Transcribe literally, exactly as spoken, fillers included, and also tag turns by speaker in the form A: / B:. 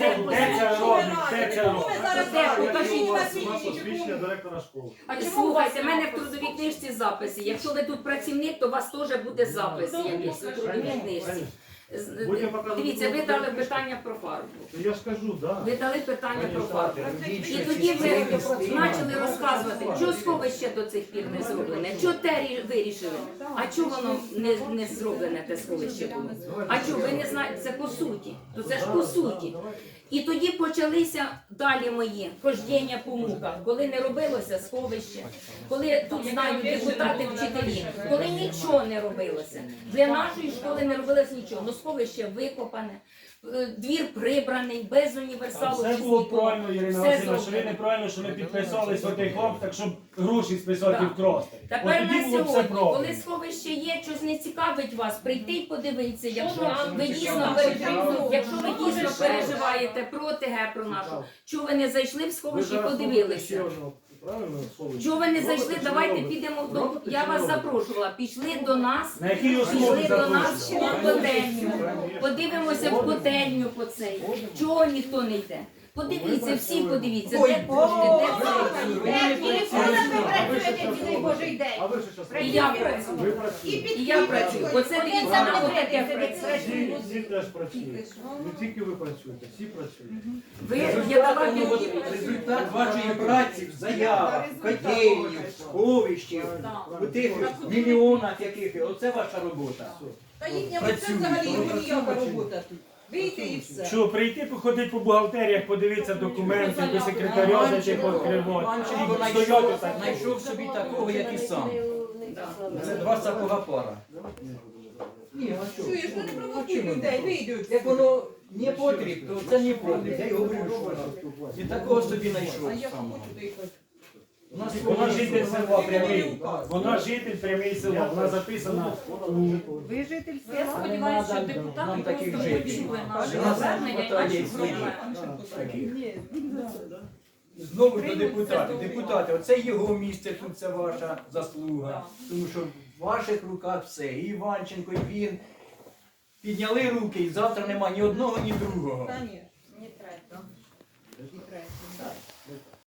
A: це робить? Де це робить?
B: Де? Покажіть.
C: Посвідчення директора школи.
B: А слухайте, в мене в трудовій книжці записи. Якщо ви тут працівник, то у вас теж буде запис якийсь у трудовій книжці. З-
C: Будемо показувати
B: Дивіться, ви
C: трудову
B: дали
C: книжку.
B: питання про фарбу.
C: Я ж кажу, так.
B: Ви дали питання про фарбу. І
D: Більше
B: тоді ви
D: частини
B: почали розказувати, що сховище до цих пір не зроблене, що те рі- вирішили, а чого воно не, не зроблене, те сховище було. А чого, ви не знаєте, це по суті, то це ж по суті. І тоді почалися далі мої хождіння по муках, коли не робилося сховище, коли тут знають депутати, вчителі, коли нічого не робилося. Для нашої школи не робилося нічого, ну сховище викопане, е, двір прибраний, без
A: А
B: універсалу.
A: все
B: без
A: було
B: нікого.
A: правильно, Ірина
B: Все
A: Васильівна, що ви
B: зроблено.
A: неправильно, що ми підписались в отих так, щоб гроші списати
B: Так.
A: вкрасти.
B: Тепер
A: От тоді
B: на
A: було б все
B: сьогодні, коли
A: правильно.
B: сховище є, щось не цікавить вас, прийти і подивитися, якщо ви дійсно переживаєте, якщо ви дійсно переживаєте про ТГ, про нашу, чого ви не зайшли в сховище і подивилися? Чого ви не зайшли, давайте підемо до... Я вас запрошувала, пішли до нас,
A: На якій основі
B: пішли до нас
A: запрошували?
B: в котельню, подивимося в котельню по цей. Чого ніхто не йде? Подивіться, всі подивіться, де кошти, де це.
C: А ви що зараз?
B: І я працюю.
C: Ви працюєте.
B: І я працюю. Оце дивіться на отаке працює.
C: Всі, всі теж працюють. Не тільки ви працюєте, всі працюють.
B: Ви я дала
D: Результат вашої праці в заявах, в котельні, в сховищі, у тих мільйонах яких, оце ваша робота.
E: Та їхня це взагалі ніяка робота тут. Вийти і все.
A: Що, прийти, походити по бухгалтеріях, подивитися документи, до секретаря зайти покривати.
D: Манченко
A: Стояти
D: знайшов,
A: так.
D: знайшов собі такого, як і сам. Це два сапога пара. Ні, а що?
E: Чуєш, ну не провокуй людей, вийдуть.
D: Як воно не потрібно, то це не потрібно. Я й говорю, що він такого собі знайшов
E: А я
D: самого.
E: хочу доїхати.
D: У нас
A: Вона житель села прямий. Вона житель прямий села. Вона записана у
E: Ви житель
B: Я
E: села?
B: сподіваюся, що
D: Нам
B: депутати
D: таких
B: просто
D: жителів.
B: почули наше
D: У нас
B: звернення і
D: хватає
B: наші
D: своїх.
B: проблеми.
D: Таких. Знову ж до депутатів. Депутати, оце його місце, тут це ваша заслуга. Тому що в ваших руках все. І Іванченко, і він підняли руки, і завтра нема ні одного, ні другого.
E: Та ні, не третього. Не третього.